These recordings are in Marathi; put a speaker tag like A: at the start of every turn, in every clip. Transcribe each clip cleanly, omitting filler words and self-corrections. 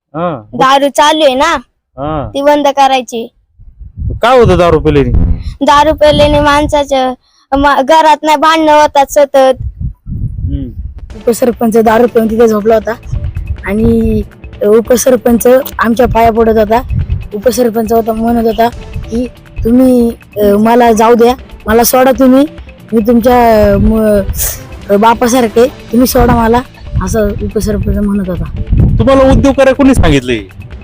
A: दारू चालू आहे ना ती बंद करायची।
B: काय होतं दारू पिल्याने?
A: दारू पिल्याने माणसाच्या घरात नाही भांडणं होतात सतत।
C: उपसरपंच दारू पिऊन तिथे झोपला होता आणि उपसरपंच आमच्या पाया पडत होता। उपसरपंच होता म्हणत होता की तुम्ही मला जाऊ द्या, मला सोडा, तुम्ही मी तुमच्या बापासारखे, तुम्ही सोडा मला, असं उपसरपंच म्हणत होता।
B: तुम्हाला उद्योग करायला कोणी सांगितले?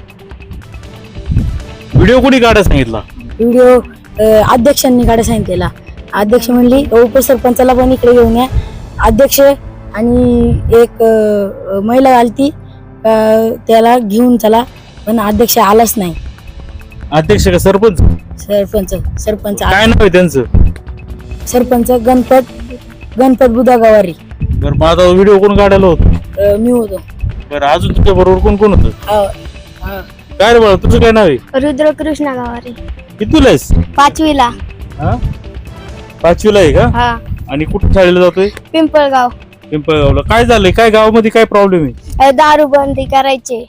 B: व्हिडिओ कोणी काढायला सांगितला?
C: व्हिडिओ अध्यक्षांनी काढायला सांगितलेला। अध्यक्ष म्हणली उपसरपंचाला पण इकडे घेऊन या। अध्यक्ष आणि एक महिला आलती, त्याला घेऊन चला, पण अध्यक्ष आलाच नाही।
B: अध्यक्ष का सरपंच?
C: सरपंच
B: काय नाव आहे त्यांचं?
C: सरपंच गणपत बुधा गवारी।
B: बरं, मग आता व्हिडिओ कोण काढायला होतं?
C: मी होतो।
B: बरं, अजून तुझ्या बरोबर कोण कोण होतं? काय रे बाळा, तुझं काय नाव आहे?
A: रुद्रकृष्ण गावारी।
B: कितीला आहेस?
A: 5वीला।
B: 5वीला आहे का?
A: हा।
B: आणि कुठे शाळेला जातोय?
A: पिंपळगाव।
B: पिंपळगावला। काय झालंय? काय गावामध्ये काय प्रॉब्लेम आहे?
A: दारू बंदी करायचे।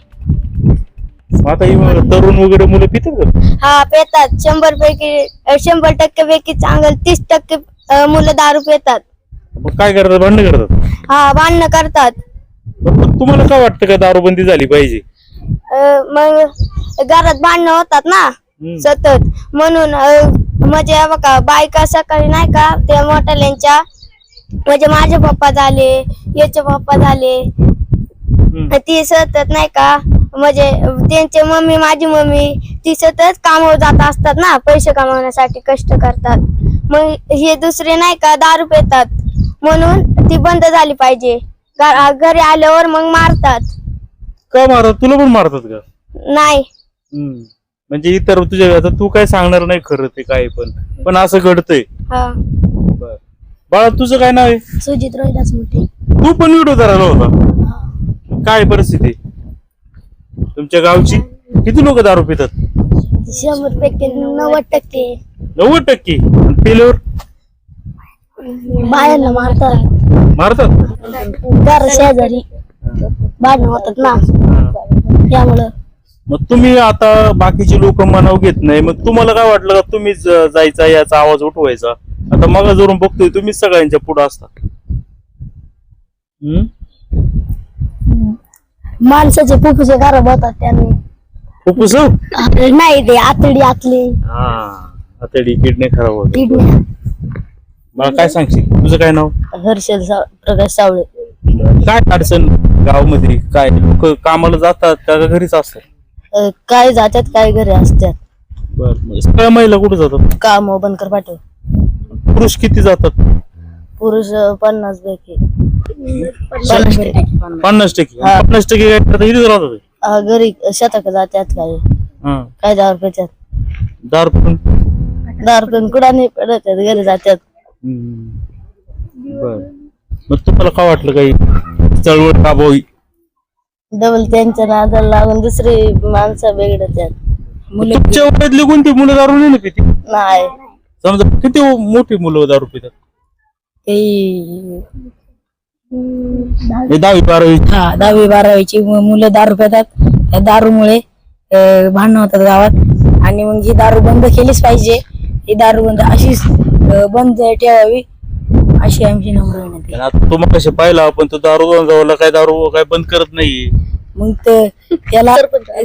B: आता ही तरुण वगैरे मुलं पितात का?
A: हा, पितात। 100% पैकी चांगलं 30% मुलं दारू पितात।
B: मग काय करतात? भांडण करतात?
A: हा, भांडणं करतात।
B: पण तुम्हाला काय वाटतं का दारूबंदी झाली पाहिजे?
A: मग घरात भांडणं होतात ना सतत, म्हणून म्हणजे बघा, बायका सकाळी नाही का त्या मोठ्याल्यांच्या, म्हणजे माझे पप्पा झाले, याचे पप्पा झाले, ती सतत नाही का, म्हणजे त्यांचे मम्मी, माझी मम्मी, ती सतत कामावर जात असतात ना, पैसे कमावण्यासाठी कष्ट करतात। मग हे दुसरे नाही का दारू पितात, म्हणून ती बंद झाली पाहिजे। घरी आल्यावर मग मारतात।
B: का मारतात? तुला पण मारतात का?
A: नाही।
B: म्हणजे इतर तुझ्या, आता तू काय सांगणार नाही खरं ते काय, पण असं घडतंय। बाळा, तुझं काय नाव आहे?
C: सुजित रोहिदास मोठे।
B: तू पण व्हिडिओ करायला होता? काय परिस्थिती तुमच्या गावची? किती लोक दारू पितात?
A: 100% 90%।
B: 90%? पिल्यावर
A: बायांना मारतात। घर शेजारी भांडणं होतात ना, त्यामुळं।
B: मग तुम्ही आता बाकीचे लोक मनाव घेत नाही, मग तुम्हाला काय वाटलं का तुम्हीच जायचा, याचा आवाज उठवायचा? आता मग जरून बघतोय तुम्हीच सगळ्यांच्या पुढे असता।
A: माणसाचे फुफ्फुसे खराब होतात त्याने।
B: फुफ्फुस
A: नाही, ते आतडी आतली
B: आतडी, किडनी खराब होत।
A: किडनी।
B: मला काय सांगशील? तुझं काय नाव?
C: हर्षल प्रकाश सावळे।
B: काय अडचण गावामध्ये? काय लोक कामाला जातात का घरीच असतात?
C: काय जातात, काय घरी असतात।
B: बरं, सगळ्या महिला कुठे जातात?
C: काम बनकर पाठव।
B: पुरुष किती जातात?
C: पुरुष 50 पैकी
B: 50%? 50% काय करतात? इथेच राहतात?
C: घरी शेतात जातात, काय दारू पितात।
B: दारू पण
C: कुठं नाही पडत, घरी जातात।
B: बर, मग तुम्हाला काय वाटलं काही चळवळ राबवावी?
C: डबल त्यांच्या नादाला लागून दुसरी माणसं बिघडतात।
B: तुमच्या वयातली कोणती मुलं दारू नाही पिती?
C: नाही।
B: समजा किती मोठी मुलं दारू पितात? 10वी-12वी?
C: 10वी-12वीची मुलं दारू पितात। त्या दारूमुळे भांडणं होतात गावात, आणि मग ही दारू बंद केलीच पाहिजे। ही दारू बंद अशीच बंद ठेवावी, अशी आमची नम्र विनंती।
B: आता तुम्हाला कसे पाहिलं आपण, तो दारू दारू काय बंद करत नाही।
C: मग त्याला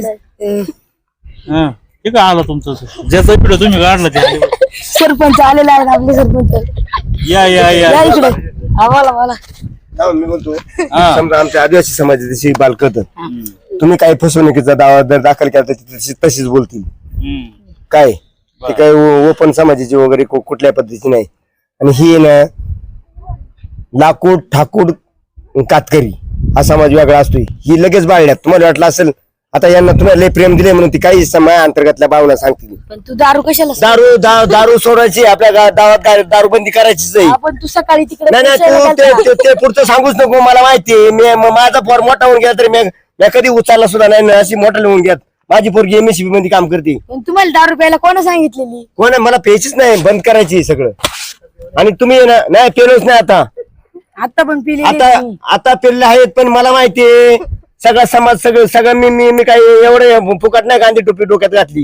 B: ठीक आहे, आला तुमचं ज्याचा व्हिडिओ तुम्ही काढला त्या
C: सरपंच आलेला आहे, आपले सरपंच।
B: या
C: इकडे आम्हाला
D: मी म्हणतो, समजा आमच्या आदिवासी समाजाची बालकत, तुम्ही काही फसवणुकीचा दावा जर दाखल केला तर तशीच बोलतील। काय ते काय ओपन समाजाची वगैरे कुठल्या पद्धतीची नाही। आणि ही ना लाकूड ठाकूड कातकरी हा समाज वेगळा असतोय। ही लगेच बाळल्यात। तुम्हाला वाटलं असेल आता यांना तुम्हाला लय प्रेम दिले म्हणून ती काही समाज अंतर्गतल्या भावना सांगतील।
C: पण तू दारू कशाला?
D: दारू सोडायची, आपल्या गावात दारूबंदी करायचीच आहे।
C: आपण तू सकाळी तिकडे
D: नाही, ते पुढचं सांगूच नको, मला माहितीये। माझा पोर मोठा होऊन गेला तरी मी कधी उचलला सुद्धा नाही, अशी मोठा होऊन घ्यात। माझी पोरगी MSCB मध्ये काम करते।
C: तुम्हाला दारू प्यायला कोण सांगितलेली?
D: कोण? मला प्यायचीच नाही, बंद करायची सगळं। आणि तुम्ही नाही पेलोच नाही आता
C: पण पिले
D: आता पेरले आहेत, पण मला माहितीये सगळा समाज सगळं मी काय एवढं फुकट नाही गांधी टोपी डोक्यात घातली.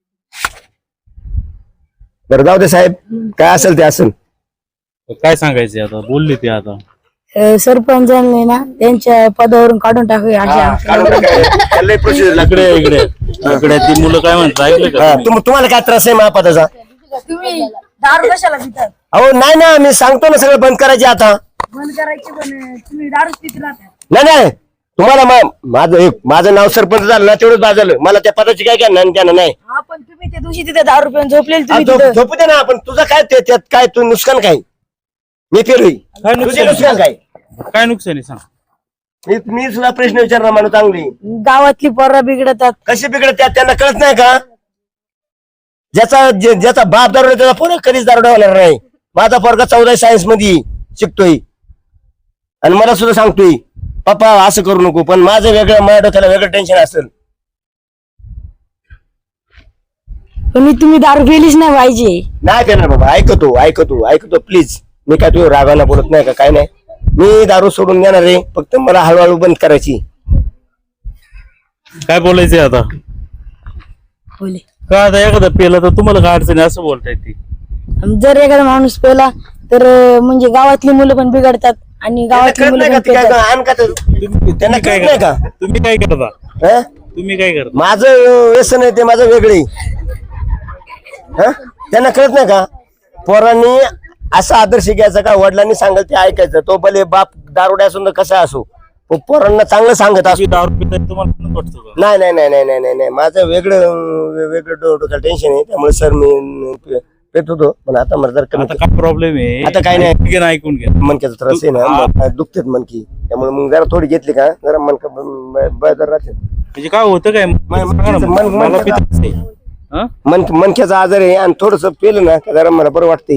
D: बरं जाऊ दे साहेब, काय असेल ते असेल.
B: काय सांगायचे आता, बोलले ते आता.
C: सरपंचांनी ना त्यांच्या पदावरून काढून टाकूया
B: इकडे इकडे इकडे ती मुलं काय म्हणतात ऐकलं का?
D: तुम्हाला काय त्रास आहे महापदाचा?
C: तुम्ही दारू कशाला पितात?
D: अहो नाही ना, मी सांगतो ना सगळं बंद करायचे आता.
C: बंद करायची पण तुम्ही दारूच पित राहता.
D: नाही तुम्हाला माझं नाव सरपंच झालं ना तेवढंच बाजलं. मला त्या पदाची काय काय त्यानं नाही.
C: आपण तुम्ही त्या दिवशी तिथे दारू पिऊन झोपलेले तुम्ही तिथं.
D: झोपू दे ना आपण. तुझं काय त्यात काय तू नुकसान काय? मी फिरवी
B: काय
D: तुझे
B: नुकसान
D: नुकसान काय?
B: काय नुकसान आहे सांग.
D: मी सुद्धा प्रश्न विचारणार माणूस चांगली.
C: गावातली पोरं बिघडतात.
D: कशी बिघडत त्यांना कळत नाही का? ज्याचा बाप दारू त्याचा पोरं कधीच दारू होणार नाही. माझा पोरगा 14 सायन्स मध्ये शिकतोय आणि मला सुद्धा सांगतोय पप्पा असं करू नको, पण माझं वेगळं, माझ्या डोक्याला वेगळं टेन्शन असेल.
C: पण तुम्ही दारू पिलीच नाही पाहिजे.
D: नाही देणार बाबा, ऐकतो प्लीज. मी काय तुझ्या रागाला बोलत नाही का, काय नाही. मी दारू सोडून देणार आहे, फक्त मला हळूहळू बंद करायची.
B: काय बोलायचंय आता?
C: बोले
B: का आता एखादा पेला तर तुम्हाला काय अडचण आहे असं बोलताय ती?
C: जर एखादा माणूस पेला तर म्हणजे गावातली मुलं पण बिघडतात आणि गावातली मुलं पण पेतात.
D: त्यांना कळत नाही का?
B: तुम्ही काय करता?
D: हं?
B: तुम्ही काय करता?
D: माझं व्यसन आहे ते माझं वेगळे. त्यांना कळत नाही का? पोरांनी असा आदर्श घ्यायचा का, वडिलांनी सांगेल ते ऐकायचं. तो भले बाप दारुड्या असून कसा असो, पण पोरांना चांगलं सांगत असतो.
B: दारू पिताय तुम्हाला वाटतं का?
D: नाही माझं वेगळं डोक्याला टेन्शन आहे. त्यामुळे सर मी पेत होतो, पण आता मला जर कमी
B: आता काय प्रॉब्लेम आहे?
D: आता काय नाही.
B: ठीक आहे ना, ऐकून घ्या.
D: मनक्याचा त्रास आहे ना, दुखतेत मनकी. त्यामुळे मग जरा थोडी घेतली का जरा मनका बदल राहते.
B: म्हणजे काय होतं काय? मला पिताच आहे. हं?
D: मनक्याचा आजार आहे आणि थोडस पेलं ना का जरा मला बरं वाटतंय.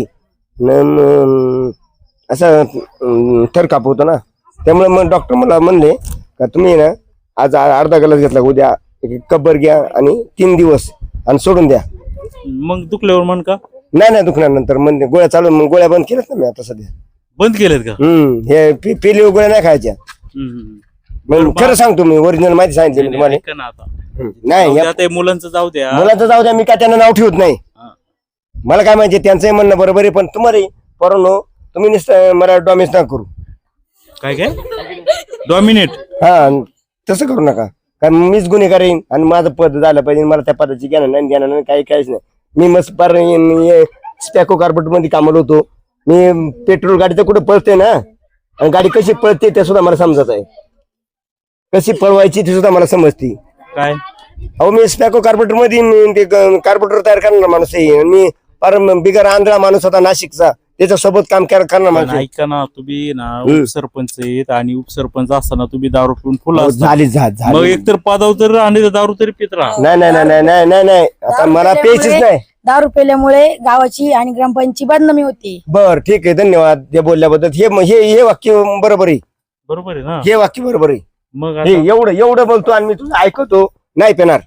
D: असं थर काप होतो ना. त्यामुळे मग डॉक्टर मला म्हणले का तुम्ही ना आज अर्धा ग्लास घेतला, उद्या एक कब्बर घ्या आणि 3 दिवस आणि सोडून द्या.
B: मग दुखल्यावर मन का?
D: नाही दुखणार नंतर म्हणजे गोळ्या चालू. मग गोळ्या बंद केल्यात ना मी आता सध्या.
B: बंद केलेत का?
D: हे पेली गोळ्या नाही खायच्या. मग खरं सांगतो मी, ओरिजिनल माहिती सांगितली मी तुम्हाला.
B: ऐका ना आता.
D: नाही
B: जाऊ द्या, ते मुलांचं जाऊ द्या.
D: मुलांचं जाऊ द्या, मी काय त्यांना नाव ठेवत नाही. मला काय माहिती त्यांचंही म्हणणं बरोबर आहे, पण तुम्हाला पोरांनो तुम्ही नुसतं मला डॉमिस ना करू.
B: काय डॉमिनेट?
D: तसं करू नका, कारण मीच गुन्हेगार येईन आणि माझं पद झालं पाहिजे. मला त्या पदाची ज्ञान नाही, ज्ञान नाही, काहीच नाही. मी मस्त पार स्पॅको कार्पेट मध्ये कामाला होतो. मी पेट्रोल गाडीचं कुठं पळते ना, आणि गाडी कशी पळते ते सुद्धा मला समजत आहे. कशी पळवायची ते सुद्धा मला समजते.
B: काय?
D: अहो मी स्पॅको कार्पेटर मध्ये ते कार्पेटर तयार करणार माणूस आहे. मी फार बिगर आंधळा माणूस होता नाशिकचा, त्याच्या सोबत काम करणार माणूस.
B: ऐका ना, तुम्ही ना उपसरपंच आहेत आणि उपसरपंच असताना तुम्ही दारू पिऊन फुला
D: झाली.
B: मग एकतर पदावर तरी आणि दारू तरी पित राहा.
D: नाही आता मला प्यायचीच नाही.
C: दारू पेल्यामुळे गावाची आणि ग्रामपंचायतची बदनामी होती.
D: बर ठीक आहे, धन्यवाद ते बोलल्याबद्दल. हे वाक्य बरोबर आहे.
B: बरोबर आहे ना?
D: हे वाक्य बरोबर आहे.
B: मग
D: हे एवढं बोलतो आणि मी तुझं ऐकतो. नाही पेणार.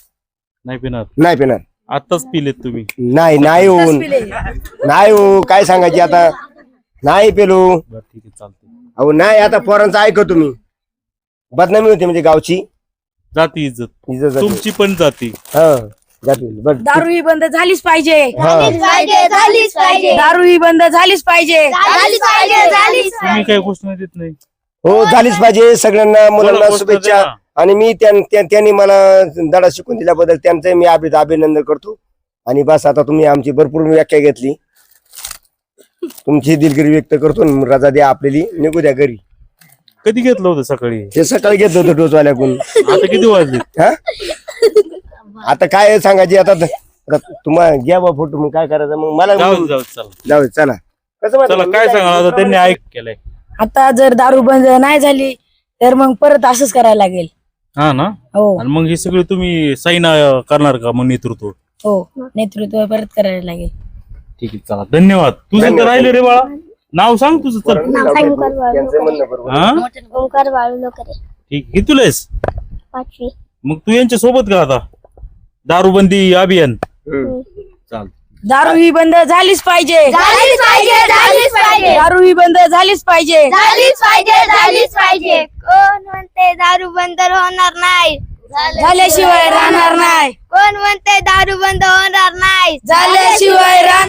B: आताच पिलेत तुम्ही?
D: नाही हो, काय सांगायची आता. नाही पेलो.
B: ठीक आहे, चालते.
D: अहो नाही, आता पोरांचं ऐकतो मी. बदनामी होती म्हणजे गावची
B: जाती इज्जत तुमची पण जाती.
C: दारू ही बंद झालीच पाहिजे.
A: झालीच
C: दारू ही बंद झालीच पाहिजे.
B: तुम्ही काही घोषणा देत नाही?
D: हो झालीच पाहिजे. सगळ्यांना मुलांना
B: घोषणा
D: शुभेच्छा.
B: द्या.
D: आणि मी त्यांनी मला धडा शिकून दिल्याबद्दल त्यांचं मी अभिनंदन करतो. आणि बस आता तुम्ही आमची भरपूर व्याख्या घेतली, तुमची दिलगिरी व्यक्त करतो. रजा द्या आपल्याला, निघू द्या घरी.
B: कधी घेतलं होतं सकाळी?
D: ते सकाळी घेतलं होतं डोसवाल्याकडून.
B: आता किती वाजले?
D: आता काय सांगायचे आता तुम्हाला घ्या बा फोटो. मग काय करायचं मग मला जाऊ चला. कसं
B: चला, काय सांगा आता, त्यांनी ऐक केलंय.
C: आता जर दारू बंद नाही झाली तर मग परत असंच करायला लागेल.
B: हा ना?
C: हो
B: आणि मग हे सगळे तुम्ही साईन करणार का मग नेतृत्व?
C: हो, नेतृत्व परत करायला लागेल.
B: ठीक आहे, चला, धन्यवाद. तुझं तर राहिले रे बाळा, नाव सांग तुझं. चल. हा?
A: ओंकार बाळू लोकरे,
B: ठीक. कितीला आहेस?
A: 5वी.
B: मग तू यांच्या सोबत का आता दारूबंदी अभियान? चालतं.
C: दारू ही बंद झालीच पाहिजे.
A: झालीच पाहिजे, झालीच पाहिजे,
C: दारू ही बंद झालीच पाहिजे.
A: झालीच पाहिजे, झालीच पाहिजे. कोण म्हणते दारू बंद होणार नाही,
C: झाल्याशिवाय राहणार नाही.
A: कोण म्हणते दारू बंद होणार नाही,
C: झाल्याशिवाय